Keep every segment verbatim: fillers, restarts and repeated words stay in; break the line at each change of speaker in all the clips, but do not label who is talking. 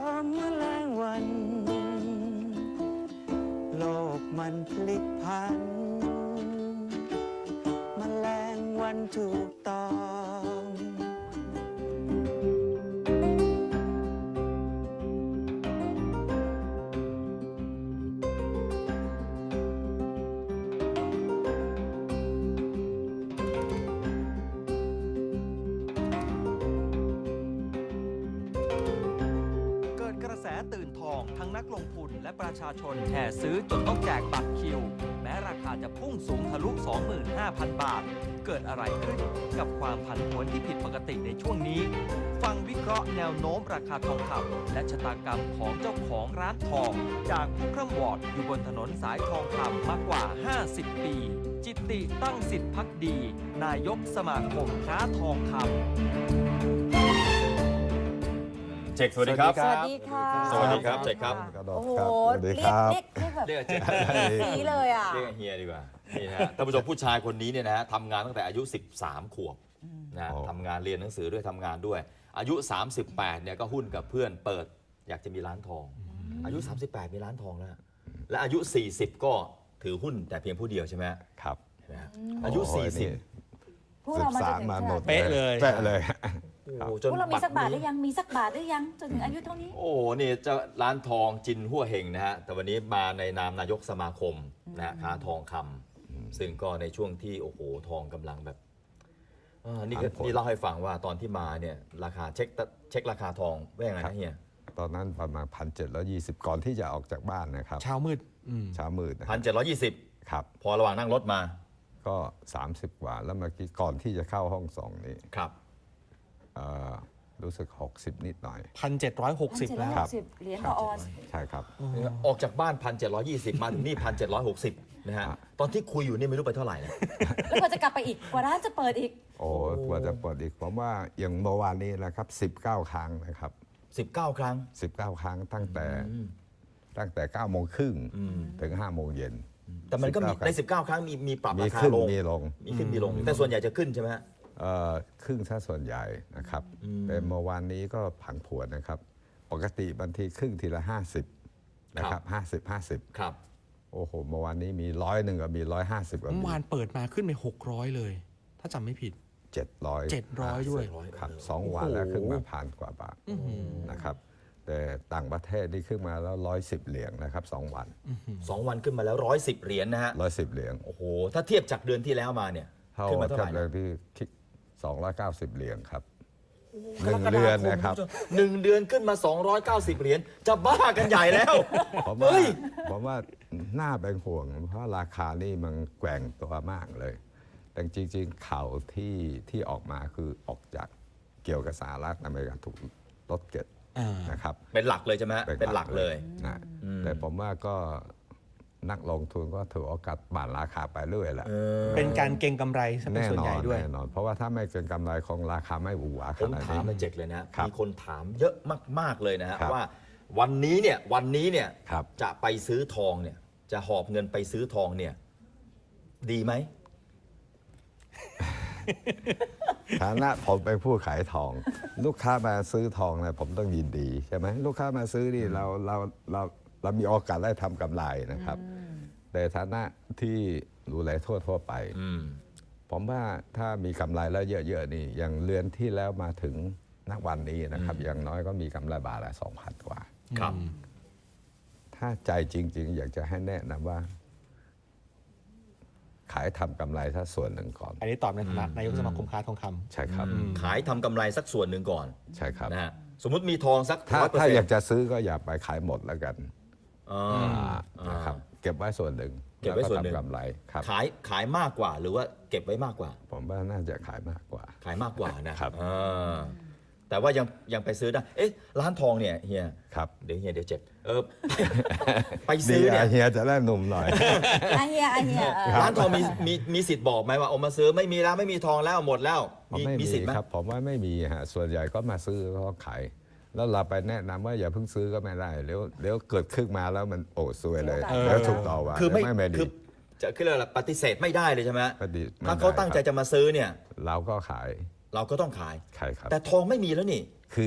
มแมลงวันโลกมันพลิกพันแมลงวันถูกต้อง
ตื่นทองทั้งนักลงทุนและประชาชนแห่ซื้อจนต้องแจกบัตรคิวแม้ราคาจะพุ่งสูงทะลุ สองหมื่นห้าพัน บาทเกิดอะไรขึ้นกับความผันผวนที่ผิดปกติในช่วงนี้ฟังวิเคราะห์แนวโน้มราคาทองคำและชะตากรรมของเจ้าของร้านทองจากผู้คร่ำวอร์ดอยู่บนถนนสายทองคำมากกว่าห้าสิบปีจิตติตั้งสิทธิภักดีนายกสมาคมค้าทองคำ
เจคสวัสดีครับ
สวัสดีค่ะ
สวัสดีครับเจคครับ
โอ้โห
สวัสดี
เรี
ค
ยก
รับ
เรียกเรียกแบบ
เรียกเจค
สีเลยอ่ะ
เรียกเฮียดีกว่านี่นะฮะท่านผู้ชมผู้ชายคนนี้เนี่ยนะฮะทำงานตั้งแต่อายุสิบสามขวบนะทำงานเรียนหนังสือด้วยทำงานด้วย อายุสามสิบแปดเนี่ยก็หุ้นกับเพื่อนเปิดอยากจะมีร้านทอง อายุสามสิบแปดมีร้านทองแล้วและอายุสี่สิบก็ถือหุ้นแต่เพียงผู้เดียวใช่ไหม
ครับ
อายุสี่สิบ
พวกเรามาจนถึง
มาหมด
ขนาดนี้
เป๊ะเลยเป๊ะเลย
โอ้โหจ
พ
น
วกเรามีสักบาทห
นี้
รือยังมีสักบาทหรือยังจนถึงอายุเท่านี้
โอ้นี่เจ้าร้านทองจินหัวเฮงนะฮะแต่วันนี้มาในนามนายกสมาคมนะฮะค้าทองคำซึ่งก็ในช่วงที่โอ้โหทองกำลังแบบอ่านี่ก็นี่เล่าให้ฟังว่าตอนที่มาเนี่ยราคาเช็คเช็คราคาทองว่ายังไงนะเฮีย
ตอนนั้นประมาณพันเจ็ดร้อยยี่สิบก่อนที่จะออกจากบ้านนะครับ
เช้ามืด
เช้ามืดนะ
พันเจ็ดร้อยยี่สิบ
ครับ
พอระหว่างนั่งรถมา
ก็ สามสิบ กว่าแล้วเมื่อกี้ก่อนที่จะเข้าห้องส่งนี้
ครับ
เอ่อรู้สึกหกสิบนิดหน่อย
พันเจ็ดร้อยหกสิบแล้ว
ครับ
สิบเหรียญต่อออนซ์
ใช่ครับ
ออกจากบ้านพันเจ็ดร้อยยี่สิบมาถึงนี่พันเจ็ดร้อยหกสิบนะฮะตอนที่คุยอยู่นี่ไม่รู้ไปเท่าไหร่นะ
แล้วก็จะกลับไปอีกกว่าร้านจะเปิดอีก
โอ้กว่าจะเปิดอีกผมว่าอย่างเมื่อวานนี้นะครับสิบเก้าครั้งนะครับ
สิบเก้า ครั้ง
สิบเก้าครั้งตั้งแต่ตั้งแต่เก้าโมงครึ่งถึงห้าโมงเย็น
แต่มันก็มี
สิบเก้า
ในสิบเก้า ครั้งมีมีปรับ
มี
ราคา
ขึ้น
ลง
มีลง
มีขึ้นมีลงแต่ส่วนใหญ่จะขึ้นใช่ไหมฮะ
เอ่อครึ่งซะส่วนใหญ่นะครับแต่เมื่อวานนี้ก็ผันผวนนะครับ ปกติบางทีครึ่งทีละห้าสิบนะครับห้าสิบห้าสิบ
ครับ
โอ้โหเมื่อวานนี้มีร้อยหนึ่งกับมีร้อยห้าสิบกับ
เมื่
มี
อวานเปิดมาขึ้นไปหกร้อยเลย ถ้าจำไม่ผิด
เจ็ดร้อย
เจ็ดร้อยด้วย
ครับสองวันแล้วขึ้นมาพันกว่าบาทนะครับ แต่ต่างประเทศนี่ขึ้นมาแล้วร้อยสิบเหรียญนะครับสองวัน
สองวันขึ้นมาแล้วร้อยสิบเหรียญนะฮะ
ร้อยสิบเหรียญ
โอ้โหถ้าเทียบจากเดือนที่แล้วมาเนี่ย
เท่า
ขึ้นมาเท่าไห
เท่า
ร่
เดิ
นะ
มที่สองร้อยเก้าสิบเหรียญครับหนึ่งเดือนนะครับ
หนึ่งเดือนขึ้นมาสองร้อยเก้าสิบเหรียญจะบ้ากันใหญ่แล้ว
ผมว่า
เฮ้ย
ผมว่าน่าเป็นห่วง เพราะราคานี่มันแกว่งตัวมากเลย แต่จริงๆข่าวที่ที่ออกมาคือออกจากเกี่ยวกับสหรัฐอเมริกาถูกลดเก็ต
อ่าน
นะครับ
เป็นหลักเลยใช่ไหมฮะเป็นหลักเลย
นะแต่ผมว่าก็นักลงทุนก็ถือโอกาสบ่านราคาไปเรื่อยแหละ
เป็นการเก็งกำไรซะเป็น
แน่
ส่วน
นอ
ใหญ่
น
ด้วย
แน่นอน เพราะว่าถ้าไม่เกินกำไรของราคาไม่หวือหวา
ผ
ข
ม
นาด
ถาม
นี้
ในเจกเลยนะ
ครับ
มีคนถามเยอะมาก ๆ เลยนะฮะ
ครับ
ว่าวันนี้เนี่ยวันนี้เนี่ย
ครับ
จะไปซื้อทองเนี่ยจะหอบเงินไปซื้อทองเนี่ยดีไหม
ฐานะผมเป็นผู้ขายทอง ลูกค้ามาซื้อทองเนี่ยผมต้องยินดีใช่ไหมลูกค้ามาซื้อนี่เราเราเราเรามีโอกาสได้ทำกำไรนะครับ แต่ฐานะที่ดูแลทั่วทั่วไป
อืม
ผมว่าถ้ามีกำไรแล้วเยอะๆนี่อย่างเรือนที่แล้วมาถึงนักวันนี้นะครับ อย่างน้อยก็มีกำไรบาทละสองพันกว่า
ครับ
ถ้าใจจริง ๆ อยากจะให้แนะนำว่า ขายทำกำไรถ้าส่วนหนึ่งก่อน
อันนี้ตอบในฐานะนายกสมาคมค้าทองคำ
ใช่ครับ
ขายทำกำไรสักส่วนหนึ่งก่อน
ใช่ครับ
นะฮะสมมุติมีทองสัก
ถ้า
ร้อยเปอร์
ถ้า
เซ็น
อยาก
ต์
จะซื้อก็อย่าไปขายหมดแล้วกัน
อ่า
นะครับเก็บไว้ส่วนหนึ่ง
เก็บไว้ส่วนหนึ่ง
แล้ก็ทำกำไรครับ
ขายขายมากกว่าหรือว่าเก็บไว้มากกว่า
ผมว่าน่าจะขายมากกว่า
ขายมากกว่านะครับ อ่าแต่ว่ายังยังไปซื้อได้เอ๊ะร้านทองเนี่ยเฮีย
ครับ
เดี๋ยวเฮียเดี๋ยวเจ็บเอ อ ไป
ดี
ซื้อเนี่ย
อะเฮียจะได้หนุ่มหน่อย
อาเฮียอาเฮียเออ
ร้านทองมีมีมีสิทธิ์บอกไหมว่าเอามาซื้อไม่มีแล้วไม่มีทองแล้วหมดแล้ว
ผม
มี
ไม่
มี
มี
สิทธิ์ไหม
ครับผมว่าไม่มีฮะส่วนใหญ่ก็มาซื้อก็ขายแล้วเราไปแนะนำว่าอย่าเพิ่งซื้อก็ไม่ได้เดี๋ยวเดี๋ยวเกิดขึ้นมาแล้วมันโอ้ซวยเลย
เออ
แล้วถูกต่อว่า
คือไม่
ไม่ไม่ดี
คือจะคืออะไรล่ะปฏิเสธไม่ได้เลยใช่ไหม
ปฏิไม่
ถ้าเขา
ได้
ตั้งใจ
ครับ
จะมาซื้อเนี่ย
เราก็ขาย
เราก็ต้องขาย
ขายครับ
แต่ทองไม่มีแล้วนี่
คือ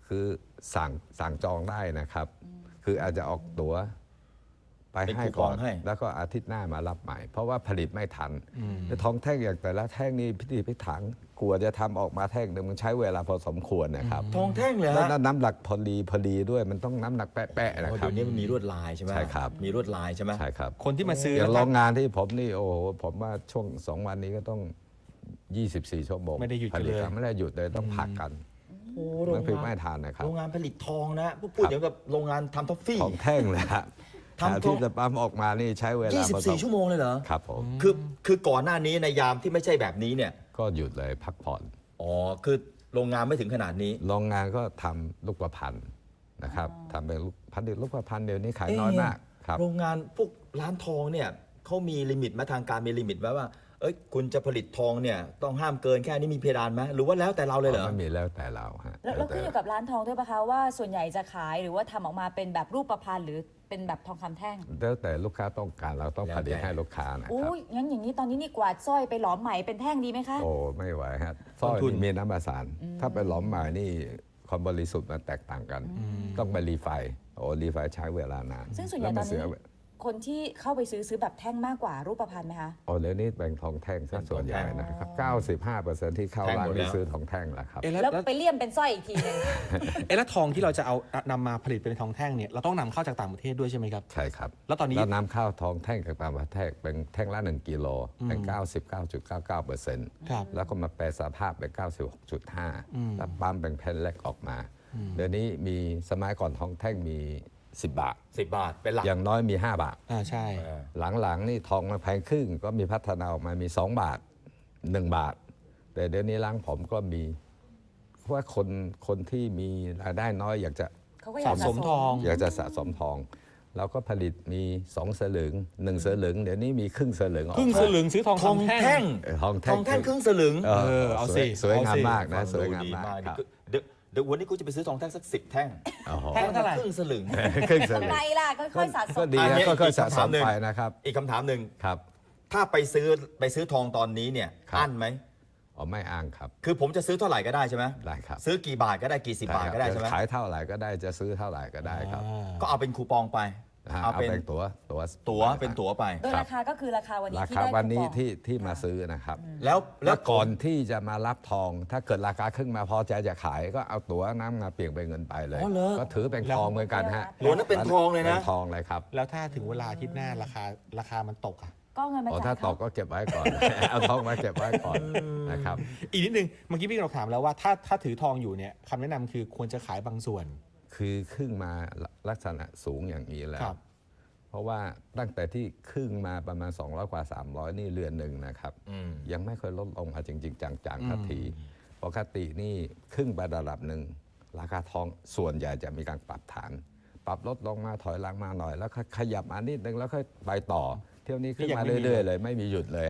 คือสั่งสั่งจองได้นะครับ คืออาจจะออกตั๋วไป
เป็น
ให้
คูป
ก่
อ
อง น
ให้
แล้วก็อาทิตย์หน้ามารับใหม่ เพราะว่าผลิตไม่ทันแต่ทองแท่งอย่างแต่ละแท่งนี่พิธีพิถันกลัวจะทำออกมาแท่งหนึ่งมันใช้เวลาพอสมควรนะครับ
ทองแท่งเลย
แล้ว
ฮะ
น้ำหนักพอดีพอดีด้วยมันต้องน้ำหนักแปะๆนะ
อ๋อ
ครับ
เดี๋ยวนี้มันมีลวดลายใช่ไหม
ใช่ครับ
มีลวดลายใช่ไหม
ใช่ครับ
คนที่มาซื้อ
อย่าง
แล้ว
โร
ก็
งงานที่ผมนี่โอ้โหผมว่าช่วงสองวันนี้ก็ต้องยี่สิบสี่ชั่วโมง
ไม่ได้หยุดกัน
ผลิต
เลย
ไม่ได้หยุดเลยต้องพักกัน
โอ้
มันผลิตไม่ทันนะครับ
โรงงานผลิตทองนะพูดอย่างกับโรงงานทำท็อฟฟี่
ของแท่งเลยฮะ
ทำ
หาที่จะปั๊มออกมานี่ใช้เวลา
ยี่สิบสี่ ชั่วโมงเลยเหรอ
ครับผม
คือคือก่อนหน้านี้ในยามที่ไม่ใช่แบบนี้เนี่ย
ก็หยุดเลยพักผ่อน
อ๋อคือโรงงานไม่ถึงขนาดนี้
โรงงานก็ทำลูกประพันธ์นะครับทำเป็นลูกพันธุ์ลูกประพันธ์เดี๋ยวนี้ขาย
เอ๊ะ
น้อยมากครับ
โรงงานพวกร้านทองเนี่ยเขามีลิมิตไหมาทางการมีลิมิตไว้ว่า เอ้ยคุณจะผลิตทองเนี่ยต้องห้ามเกินแค่นี้มีเพดานไหมหรือว่าแล้วแต่เราเลยเหรอ
ไม่มีแล้วแต่เราฮะ
แล้วแล้วขึ้นอยู่กับร้านทองด้วยปะคะว่าส่วนใหญ่จะขายหรือว่าทำออกมาเป็นแบบรูปประพันธ์หรือเป็นแบบทองคำแท่ง
แล้วแต่ลูกค้าต้องการเราต้อง
แล้ว
ผลิต
แต่
ให้ลูกค้านะค
อุ้
รับ
ยงั้นอย่างนี้ตอนนี้นี่กวาดสร้อยไปหลอมไหมเป็นแท่งดีไหมคะ
โอ้ไม่ไหวฮะสร้อย
ต้นทุน
นี่มีน้ำประสาน ถ้าไปหลอมใหม่นี่ความบริสุทธิ์มันแตกต่างกัน ต้องไปรีไฟโอ้รีไฟใช้เวลานาน
ซึ่งส่วนใหญ่
แล้
ตอน
มัเสี
นี้
ย
คนที่เข้าไปซื้อซื้อแบบแท่งมากกว่ารูปประพันธ์ไหมคะ
โอ้เดี๋ยวนี้แบ่งทองแท่งซะส่วนใหญ่นะครับเก้าสิบห้าเปอร์เซ็นต์ที่เข้าร้านนี่ซื้อทองแท่งแล้วครับ
เอ๊ะแล้ว
แล้ว
แล้ว
ไปเลี่ยมเป็นสร้อยอีกทีหนึง
เอ๊ะแล้วทองที่เราจะเอานำมาผลิตเป็นทองแท่งเนี่ยเราต้องนำเข้าจากต่างประเทศด้วยใช่ไหมครับ
ใช่ครับ
แล้วตอนนี้
แล้วน้ำข้าวทองแท่งจากต่างประเทศเป็นแท่งละหนึ่งกิโลเป็น เก้าสิบเก้าจุดเก้าเก้าเปอร์เซ็นต์
ครับ
แล้วก็มาแปลสภาพเป็น เก้าสิบหกจุดห้า แล้วปั๊มเป็นแผ่นเล็กออกมา เดี๋ยวนี้มีสมัยก่อนทองแท่งมี สิบบาท
สิบบาทเป็นหลัก
อย่างน้อยมี ห้า บาท
อ่าใช่
เออ
หลังๆนี่ทองมันแพงขึ้นก็มีพัฒนาออกมามี สอง บาท หนึ่ง บาท แต่เดี๋ยวนี้ร้านผมก็มีเพราะว่าคนคนที่มีรายได้น้อยอยากจะ
เขาก็อยาก
สะสมทอง
อยากจะสะสมทอง เราก็ผลิตมีสองสลึงหนึ่งสลึงเดี๋ยวนี้มีครึ่งสลึงออก
ครึ่งสลึงซื้อทอง
ทอง
คำแท่
แท่
ง
ง
เออทอง
ท
แท่ง
องแท่งครึ่งสลึง
เออ
เออเอาสิ
สวยสวยงาม
เอาสิ
มากนะ
ฟัง
สวย
ดู
งาม
ดี
มาก
มาก
ครับ
เดี๋ยวเดี๋ยววันนี้กูจะไปซื้อทองแท่งสักสิบแท่ง
โอ้โห
แท่งละเท่าไหร่
ครึ่งสลึง
ครึ่งสลึ
ทำ
ง
ไมล่ะค่อยๆสะส
ก็
ม
ดี
อัน
นะ
นี้
ก็ค่อย
อีก
สะ
คำ
ส
ถาม
ม
หนึ่ง
ไปนะครับ
อีกคำถามหนึ่ง
ครับ
ถ้าไปซื้อไปซื้อทองตอนนี้เนี่ย
ครับ
อั้นไหม
อ๋อไม่อ้างครับ
คือผมจะซื้อเท่าไหร่ก็ได้ใช่ไหม
ได้ครับ
ซื้อกี่บาทก็ได้กี่สิบบาทก็ได้ใช่ไหม
ขายเท่าไหร่ก็ได้จะซื้อเท่าไหร่ก็ได้ครับ
ก็เอาเป็นคูปองไป
นะฮะ
เอา
เอา
เป็น
เป็นตั๋วตั๋ว
ตั๋วเป็นตั๋วไป
โดยราคาก็คือราคาวันนี้
รา
ที่
คา
ได้
วันนี้
คูปอง
ที่ที่มาซื้อนะครับ
แล้วแล้
แล้ว วก่อนที่จะมารับทอง ถ้าเกิดราคาขึ้นมาพอใจจะขายก็เอาตั๋วน้ำมาเปลี่ยนเป็นเงินไปเลย
อ๋อเหรอ
ก็ถือเป็นทองเหมือนกันฮะ
โหนั้นเป็นทองเลยนะ
เป็นทองเลยครับ
แล้วถ้าถึงเวลาอาทิตย์หน้าราคาราคามันตกอ่ะ
ก็เงินมา
อ๋อ
จ่า
ถ้าย ต
เขา
กก็เก็บไว้ก่อน เอาทองมาเก็บไว้ก่อนนะครับ
อีกนิดนึงเมื่อกี้พี่เราถามแล้วว่าถ้าถ้าถือทองอยู่เนี่ยคำแนะนำคือควรจะขายบางส่วน
คือขึ้นมาลักษณะสูงอย่างนี้แล้
คว รับ
เพราะว่าตั้งแต่ที่ขึ้นมาประมาณ สองร้อย กว่า สามร้อย นี่เรือนหนึ่งนะครับ
อืม
ยังไม่เคยลดลงมาจริง ๆ จังๆทันทีปกตินี่ขึ้นไประดับหนึ่งราคาทองส่วนใหญ่จะมีการปรับฐาน ปรับลดลงมาถอยหลังมาหน่อย แล้วขยับมานิดนึงแล้วค่อยไปต่อ เที่ยวนี้ขึ้นมาเรื่อยๆเลยไม่มีหยุดเลย